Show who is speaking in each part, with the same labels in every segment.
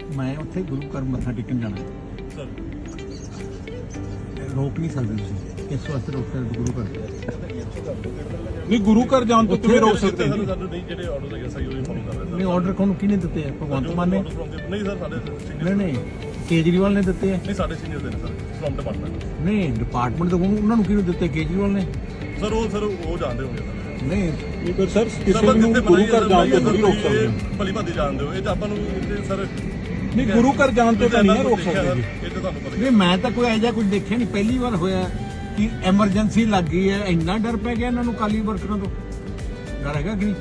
Speaker 1: मैं उत्थे गुरु घर मत्था टेकन जाना
Speaker 2: सर
Speaker 1: रोक नहीं सकते तुसीं इस वास्ते रोक सकते गुरु घर
Speaker 3: नहीं गुरु घर जान तो किवें रोक सकते हैं
Speaker 2: ਸਾਨੂੰ ਨਹੀਂ ਜਿਹੜੇ ਆਰਡਰ ਹੈਗੇ ਸਹੀ ਉਹੀ ਫੋਲੋ ਕਰ ਰਹੇ
Speaker 1: नहीं ऑर्डर कौन किने दिते हैं भगवंत मान ने
Speaker 2: ਨਹੀਂ ਸਰ ਸਾਡੇ ਸੀਨੀਅਰ
Speaker 1: नहीं केजरीवाल ने दिते हैं
Speaker 2: ਨਹੀਂ ਸਾਡੇ ਸੀਨੀਅਰ ਦੇ ਨੇ ਸਰ ਫਰਮ ਡਿਪਾਰਟਮੈਂਟ
Speaker 1: नहीं डिपार्टमेंट तो उन्होंने किने दिते केजरीवाल ने
Speaker 2: ਸਰ ਉਹ ਜਾਣਦੇ ਹੋਗੇ ਸਰ
Speaker 1: नहीं
Speaker 3: पर सर किसी ਨੂੰ ਗੁਰੂ ਘਰ ਜਾਣ ਤੋਂ ਨਹੀਂ ਰੋਕ ਸਕਦੇ
Speaker 2: ਭਲੀ ਭਾਦੀ ਜਾਣਦੇ ਹੋ ਇਹ ਤਾਂ ਆਪਾਂ ਨੂੰ ਸਰ
Speaker 3: ਨਹੀਂ ਗੁਰੂ ਘਰ ਜਾਣ ਤੋਂ ਤਾਂ ਨਹੀਂ ਰੋਕ ਸਕਦੇ ਜੀ
Speaker 2: ਇਹ ਤਾਂ ਤੁਹਾਨੂੰ ਪਤਾ ਹੀ
Speaker 1: नहीं मैं तो कोई ऐसा कुछ देखा नहीं पहली बार होया कि एमरजेंसी लग गई है इन्ना डर पै गया इन्होंने काली वर्करों तो डर हैगा कि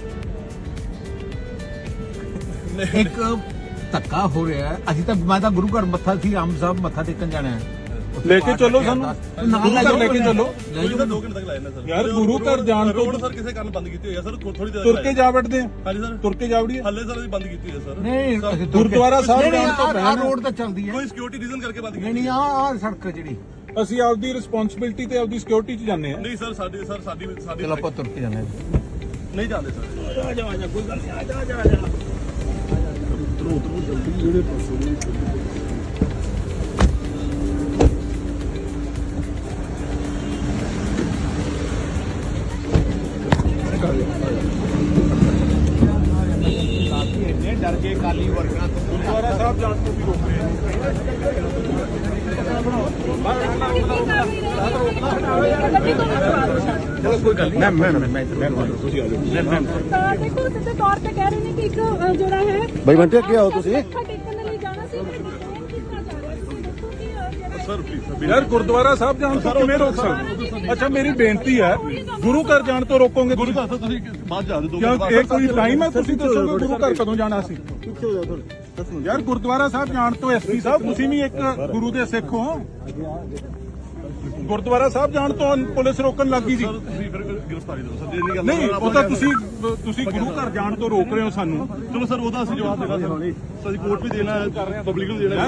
Speaker 1: नहीं एक धक्का हो रहा है अभी तक मैं तो गुरु घर मत्था सी आम साहब मत्था टेकन जाना है
Speaker 3: लेके चलो सानू गुरु घर लेके चलो
Speaker 2: ਨਹੀਂ ਸਰ 2 ਘੰਟੇ ਤੱਕ ਲਾਇਆ ਨਾ ਸਰ
Speaker 3: यार गुरु घर जान तो
Speaker 2: ਰੋਡ ਸਰ ਕਿਸੇ ਕਾਰਨ ਬੰਦ ਕੀਤੀ ਹੋਈ ਹੈ ਸਰ ਥੋੜੀ ਦੇਰ
Speaker 3: ਤੁਰ ਕੇ ਜਾ ਵੜਦੇ ਆ
Speaker 2: ਹਾਂਜੀ ਸਰ
Speaker 3: ਤੁਰ ਕੇ ਜਾ ਵੜੀਏ
Speaker 2: ਹੱਲੇ ਸਰ ਅਸੀਂ ਬੰਦ ਕੀਤੀ ਹੋਈ ਹੈ ਸਰ
Speaker 1: नहीं
Speaker 3: ਗੁਰਦੁਆਰਾ ਸਾਹਿਬ ਜਾਣ ਤੋਂ
Speaker 1: आ
Speaker 3: ਪਹਿਲਾਂ
Speaker 1: रोड तो चलती है
Speaker 2: ਕੋਈ ਸਿਕਿਉਰਿਟੀ ਰੀਜ਼ਨ ਕਰਕੇ ਬੰਦ ਕੀਤੀ
Speaker 1: नहीं नहीं आ सड़क जी
Speaker 3: ਅਸੀਂ ਆਪਦੀ ਰਿਸਪੌਂਸਿਬਿਲਟੀ ਤੇ ਆਪਦੀ ਸਿਕਿਉਰਿਟੀ 'ਚ ਜਾਂਦੇ ਆ
Speaker 2: ਨਹੀਂ ਸਰ ਸਾਡੀ
Speaker 1: चलो आप तुर के जाना है
Speaker 2: ਨਹੀਂ ਜਾਂਦੇ ਸਰ
Speaker 1: डर के काली वर्करां तो
Speaker 3: ਗੁਰਦੁਆਰਾ ਸਾਹਿਬ ਜਾਣ ਤੋਂ ਵੀ ਰੋਕ ਰਹੇ ਆ
Speaker 1: चलो कोई गल नहीं मैं
Speaker 4: ਦੇਖੋ ਸਿੱਧੇ ਤੌਰ ਤੇ ਕਹਿ ਰਹੇ ਨੇ ਕਿ ਇੱਕ ਜਿਹੜਾ ਹੈ
Speaker 5: ਬਾਈ ਬੰਟੇ ਕੀ ਆਓ ਤੁਸੀਂ
Speaker 4: ਮੱਥਾ ਟੇਕਣ ਦੇ ਲਈ ਜਾਣਾ ਸੀ ਕੀਤਾ ਜਾ ਰਿਹਾ ਸੀ ਦੇਖੋ ਕਿ ਜਿਹੜਾ
Speaker 2: ਸਰ ਪਲੀਜ਼
Speaker 3: ਯਾਰ ਗੁਰਦੁਆਰਾ ਸਾਹਿਬ ਜਾਣ ਤੋਂ ਕਿਵੇਂ ਰੋਕ ਸਕਦੇ ਅੱਛਾ ਮੇਰੀ ਬੇਨਤੀ ਹੈ ਗੁਰੂ ਘਰ ਜਾਣ ਤੋਂ ਰੋਕੋਗੇ
Speaker 2: ਗੁਰੂ ਘਰ ਤੋਂ ਤੁਸੀਂ ਬਾਅਦ ਜਾ ਦਿਓ
Speaker 3: ਕਿਉਂ ਇਹ ਕੋਈ ਟਾਈਮ ਹੈ ਤੁਸੀਂ ਦੱਸੋਗੇ ਗੁਰੂ ਘਰ ਕਦੋਂ ਜਾਣਾ ਸੀ ਯਾਰ ਗੁਰਦੁਆਰਾ ਸਾਹਿਬ ਜਾਣ ਤੋਂ ਐਸਪੀ ਸਾਹਿਬ ਤੁਸੀਂ ਵੀ ਇੱਕ ਗੁਰੂ ਦੇ ਸਿੱਖ ਹੋ ਗੁਰਦੁਆਰਾ ਸਾਹਿਬ ਜਾਣ ਤੋਂ ਪੁਲਿਸ ਰੋਕਣ ਲੱਗੀ ਸੀ
Speaker 2: ਸਰ ਤੁਸੀਂ ਫਿਰ ਗ੍ਰਿਫਤਾਰੀ ਦਿਓ ਸਰ ਜੇ ਨਹੀਂ ਗੱਲ
Speaker 3: ਨਹੀਂ ਉਹ ਤਾਂ ਤੁਸੀਂ ਗੁਰੂ ਘਰ ਜਾਣ ਤੋਂ ਰੋਕ ਰਹੇ ਹੋ ਸਾਨੂੰ
Speaker 2: ਚਲੋ ਸਰ ਉਹਦਾ ਅਸੀਂ ਜਵਾਬ ਦੇਣਾ ਸਰ ਅਸੀਂ ਕੋਰਟ ਵੀ ਦੇਣਾ ਹੈ ਪਬਲਿਕ ਨੂੰ ਦੇਣਾ ਹੈ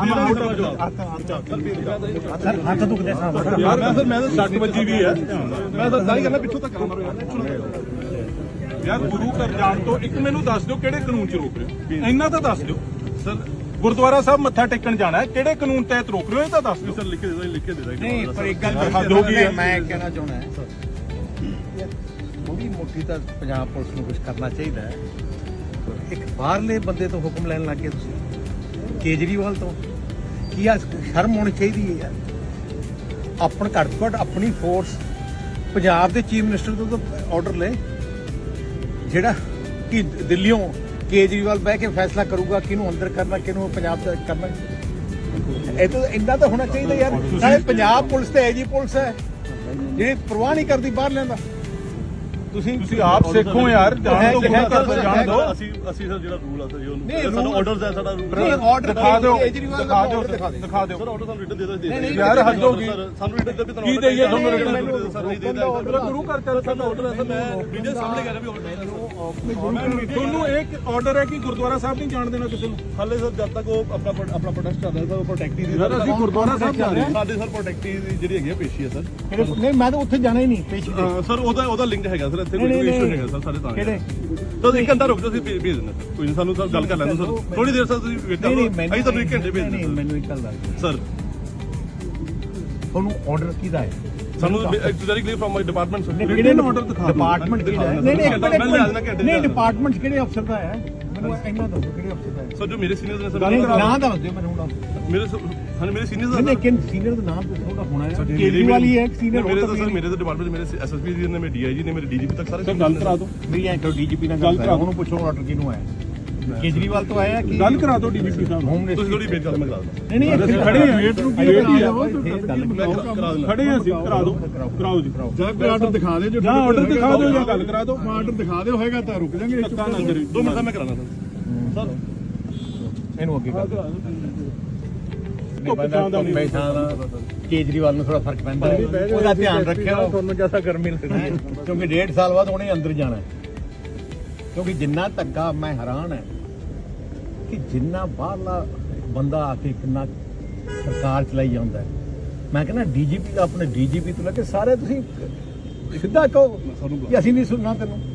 Speaker 1: हथ दुखते साहब
Speaker 3: ਯਾਰ ਮੈਂ ਤਾਂ 60 ਵੱਜੀ ਵੀ ਹੈ
Speaker 2: ਮੈਂ ਤਾਂ ਦਾਈ ਕਰਨਾ ਪਿੱਛੋਂ ਤੱਕ ਮਾਰੋ ਯਾਰ
Speaker 3: ਯਾਰ ਗੁਰੂ ਘਰ ਜਾਣ ਤੋਂ ਇੱਕ ਮੈਨੂੰ ਦੱਸ ਦਿਓ ਕਿਹੜੇ ਕਾਨੂੰਨ 'ਚ ਰੋਕ ਰਹੇ ਹੋ ਇੰਨਾ ਤਾਂ ਦੱਸ ਦਿਓ
Speaker 2: ਸਰ
Speaker 3: ਗੁਰਦੁਆਰਾ ਸਾਹਿਬ ਮੱਥਾ ਟੇਕਣ ਜਾਣਾ ਹੈ ਕਿਹੜੇ ਕਾਨੂੰਨ ਤਹਿਤ ਰੋਕ ਰਹੇ ਹੋ ਇਹ ਤਾਂ ਦੱਸ ਦਿਓ
Speaker 2: ਸਰ ਲਿਖ ਕੇ ਦੇ ਦਾਂ
Speaker 1: नहीं पर एक गल
Speaker 3: हद हो गई है।
Speaker 1: मैं कहना चाहना है थोड़ी मोटी तो पंजाब पुलिस को कुछ करना चाहिए एक बाहरले बंदे तो हुक्म लैन लग गए तुसीं केजरीवाल तो की शर्म होनी चाहिए है यार अपन घट तो घट अपनी फोर्स पंजाब के चीफ मिनिस्टर तो ऑर्डर ले जेड़ा कि दिल्लियों केजरीवाल बह के फैसला करूगा किनू अंदर करना किनू पंजाब करना ਇਹ ਤਾਂ ਇੰਨਾ ਤਾਂ ਹੋਣਾ ਚਾਹੀਦਾ ਯਾਰ ਨਾਲੇ ਪੰਜਾਬ ਪੁਲਿਸ ਤੇ ਐਜੀ ਪੁਲਿਸ ਹੈ ਜਿਹੜੀ ਪਰਵਾਹ ਨਹੀਂ ਕਰਦੀ ਬਾਹਰ ਲੈਂਦਾ
Speaker 3: ਤੁਸੀਂ ਆਪ ਸਿੱਖੋ ਯਾਰ ਜਾਣ ਤੋਂ ਗੁਰੂ ਘਰ ਤੋਂ ਜਾਣ ਦਿਓ
Speaker 2: ਅਸੀਂ ਸਰ ਜਿਹੜਾ ਰੂਲ ਆ ਸਰ ਜੀ
Speaker 1: ਨਹੀਂ,
Speaker 2: ਉਹਨੂੰ ਸਾਨੂੰ ਆਰਡਰਸ ਹੈ ਸਾਡਾ
Speaker 1: ਨਹੀਂ ਆਰਡਰ
Speaker 3: ਦਿਖਾ ਦਿਓ
Speaker 1: ਕੇਜਰੀਵਾਲ ਦਾ order ਦਿਖਾ ਦਿਓ
Speaker 3: ਦਿਖਾ ਦਿਓ
Speaker 2: ਸਰ ਆਰਡਰ ਸਾਨੂੰ ਰਿਟਨ ਦੇ ਦੋ
Speaker 3: ਯਾਰ ਹੱਦ ਹੋ ਗਈ
Speaker 2: ਸਾਨੂੰ ਰਿਟਨ ਦੇ ਵੀ
Speaker 3: ਕੀ ਦੇਈਏ ਤੁਹਾਨੂੰ ਰਿਟਨ
Speaker 2: ਸਰ ਨਹੀਂ ਦੇਦਾ
Speaker 3: ਗੁਰੂ ਘਰ ਚੱਲ
Speaker 2: ਸਾਡਾ ਆਰਡਰ ਹੈ ਸਰ ਮੈਂ ਵੀਡੀਓ ਸਾਹਮਣੇ ਕਰ ਰਿਹਾ ਵੀ ਆਰਡਰ
Speaker 3: ਤੁਹਾਨੂੰ ਇੱਕ ਆਰਡਰ ਹੈ ਕਿ ਗੁਰਦੁਆਰਾ ਸਾਹਿਬ ਨਹੀਂ ਜਾਣ ਦੇਣਾ ਕਿਸੇ ਨੂੰ
Speaker 2: ਹਾਲੇ ਸਰ ਜਦ ਤੱਕ ਉਹ ਆਪਣਾ ਪ੍ਰੋਟੈਸਟ ਚੱਲ ਰਿਹਾ ਸਰ ਉਹ ਪ੍ਰੋਟੈਕਟੀ ਦੀ
Speaker 3: ਯਾਰ ਅਸੀਂ ਗੁਰਦੁਆਰਾ ਸਾਹਿਬ ਜਾ ਰਹੇ ਹਾਂ
Speaker 2: ਸਾਡੇ ਸਰ ਪ੍ਰੋਟੈਕਟੀ ਦੀ ਜਿਹੜੀ ਹੈਗੀ ਆ ਪੇਸ਼ੀ ਹੈ ਸਰ
Speaker 1: ਨਹੀਂ ਮੈਂ ਤਾਂ ਉੱਥੇ ਜਾਣਾ ਹੀ ਨਹੀਂ ਪੇਸ਼
Speaker 2: ਸਰ ਉਹਦਾ ਲਿੰਕ ਹੈਗਾ ਸਰ ਇੱਥੇ ਕੋਈ ਇਸ਼ੂ ਹੈਗਾ ਸਰ ਸਾਡੇ ਤਾਂ
Speaker 1: ਕਿਹੜੇ
Speaker 2: ਤਾਂ 1 ਘੰਟਾ ਰੁਕ ਜਾਓ ਅਸੀਂ ਭੇਜ ਦਿੰਦੇ ਸਰ ਕੋਈ ਨਹੀਂ ਸਾਨੂੰ ਸਰ ਗੱਲ ਕਰ ਲੈਣ ਦਿਓ ਸਰ ਥੋੜੀ ਦੇਰ ਸਰ ਤੁਸੀਂ ਵੇਟ ਕਰੋ ਅਸੀਂ ਤੁਹਾਨੂੰ 1 ਘੰਟੇ ਭੇਜ
Speaker 1: ਨਹੀਂ
Speaker 2: ਦਿੰਦੇ
Speaker 1: ਮੈਨੂੰ ਇੱਕ ਗੱਲ ਦੱਸ
Speaker 2: ਸਰ
Speaker 1: ਤੁਹਾਨੂੰ ਆਰਡਰ ਕਿਹਦਾ ਹੈ
Speaker 2: ਸਾਨੂੰ very clear firm my department sir
Speaker 3: ਕਿਹੜੇ ਨੂੰ ਆਰਡਰ ਦਿਖਾ ਦਿਓ
Speaker 1: ਡਿਪਾਰਟਮੈਂਟ ਕਿਹੜਾ ਹੈ
Speaker 2: ਮੈਂ ਲੈ ਜਾਣਾ ਘੰਟੇ
Speaker 1: ਨਹੀਂ ਡਿਪਾਰਟਮੈਂਟ ਕਿਹੜੇ ਅਫਸਰ ਦਾ ਹੈ ਮੈਨੂੰ ਇੰਨਾ ਦੱਸੋ ਕਿਹੜੇ ਅਫਸਰ ਦਾ ਹੈ
Speaker 2: ਸਰ ਜੋ ਮੇਰੇ ਸੀਨੀਅਰਸ ਨੇ ਸਰ
Speaker 1: ਨਾਮ ਦੱਸ ਦਿਓ ਮੈਨੂੰ ਹੁਣ
Speaker 2: ਮੇਰੇ ਮੇਰੇ ਸੀਨੀਅਰਸ
Speaker 1: ਨਹੀਂ ਲੇਕਿਨ ਸੀਨੀਅਰ ਦਾ ਨਾਮ ਤਾਂ ਥੋੜਾ ਹੋਣਾ ਹੈ ਕੇਜਰੀਵਾਲ ਹੀ ਹੈ ਸੀਨੀਅਰ
Speaker 2: ਮੇਰੇ ਤਾਂ ਸਰ ਮੇਰੇ ਤਾਂ ਡਿਪਾਰਟਮੈਂਟ ਮੇਰੇ ਐਸਐਸਪੀ ਜੀ ਨੇ ਮੇਰੇ ਡੀਆਈਜੀ ਨੇ ਮੇਰੇ ਡੀਜੀਪੀ ਤੱਕ ਸਾਰੇ
Speaker 3: ਗੱਲ ਕਰਾ ਦਿਓ
Speaker 1: ਮੇਰੀ ਐਂ ਕਰੋ ਡੀਜੀਪੀ ਨਾਲ ਗੱਲ ਕਰਾਓ ਉਹਨੂੰ ਪੁੱਛੋ ਆਰਡਰ ਕਿਹਨੂੰ ਆਇਆ ਕੇਜਰੀਵਾਲ ਤੋਂ ਆਇਆ ਕਿ
Speaker 3: ਗੱਲ ਕਰਾ ਦਿਓ ਡੀਜੀਪੀ ਸਾਹਿਬ
Speaker 1: ਹੋਮ
Speaker 2: ਤੁਸੀਂ ਥੋੜੀ ਵੇਟ ਕਰੋ ਮੈਂ ਕਰਾ ਦਿੰਦਾ
Speaker 1: ਨਹੀਂ
Speaker 3: ਅਸੀਂ ਖੜੇ ਹਾਂ ਵੇਟ ਨੂੰ ਕੀ
Speaker 1: ਵੇਟ ਹੀ ਆ
Speaker 3: ਖੜੇ ਹਾਂ ਅਸੀਂ ਕਰਾ ਦਿਓ ਕਰਾਓ ਜੀ
Speaker 5: ਜਾਂ ਕੋਈ ਆਰਡਰ ਦਿਖਾ ਦੇ ਜੋ
Speaker 3: ਜਾਂ ਆਰਡਰ ਦਿਖਾ ਦਿਓ ਜਾਂ ਗੱਲ ਕਰਾ ਦਿਓ
Speaker 5: ਆਰਡਰ ਦਿਖਾ ਦਿਓ ਹੋਏਗਾ ਤਾਂ ਰੁਕ ਜਾਾਂਗੇ
Speaker 2: 2 ਮਿੰਟ ਦਾ ਮੈਂ ਕਰਾਣਾ ਸਰ
Speaker 1: ਇਹਨੂੰ ਅੱਗੇ ਕਰ ਕੇਜਰੀਵਾਲ ਨੂੰ ਥੋੜਾ ਫਰਕ ਪੈਂਦਾ ਉਹਦਾ ਧਿਆਨ ਰੱਖਿਓ ਤੁਹਾਨੂੰ ਜਿਆਦਾ ਗਰਮੀ ਲੱਗਦੀ ਹੈ ਕਿਉਂਕਿ 1.5 ਸਾਲ ਬਾਅਦ ਉਹਨੇ ਅੰਦਰ ਜਾਣਾ ਕਿਉਂਕਿ ਜਿੰਨਾ ਧੱਕਾ ਮੈਂ ਹੈਰਾਨ ਹੈ ਕਿ ਜਿੰਨਾ ਬਾਹਰਲਾ ਬੰਦਾ ਆ ਕੇ ਕਿੰਨਾ ਸਰਕਾਰ ਚਲਾਈ ਜਾਂਦਾ ਹੈ ਮੈਂ ਕਹਿੰਦਾ ਡੀਜੀਪੀ ਦਾ ਆਪਣੇ ਡੀਜੀਪੀ ਤੋਂ ਲੈ ਕੇ ਸਾਰੇ ਤੁਸੀਂ ਸਿੱਧਾ ਕਹੋ ਕਿ ਅਸੀਂ ਨਹੀਂ ਸੁਣਨਾ ਤੈਨੂੰ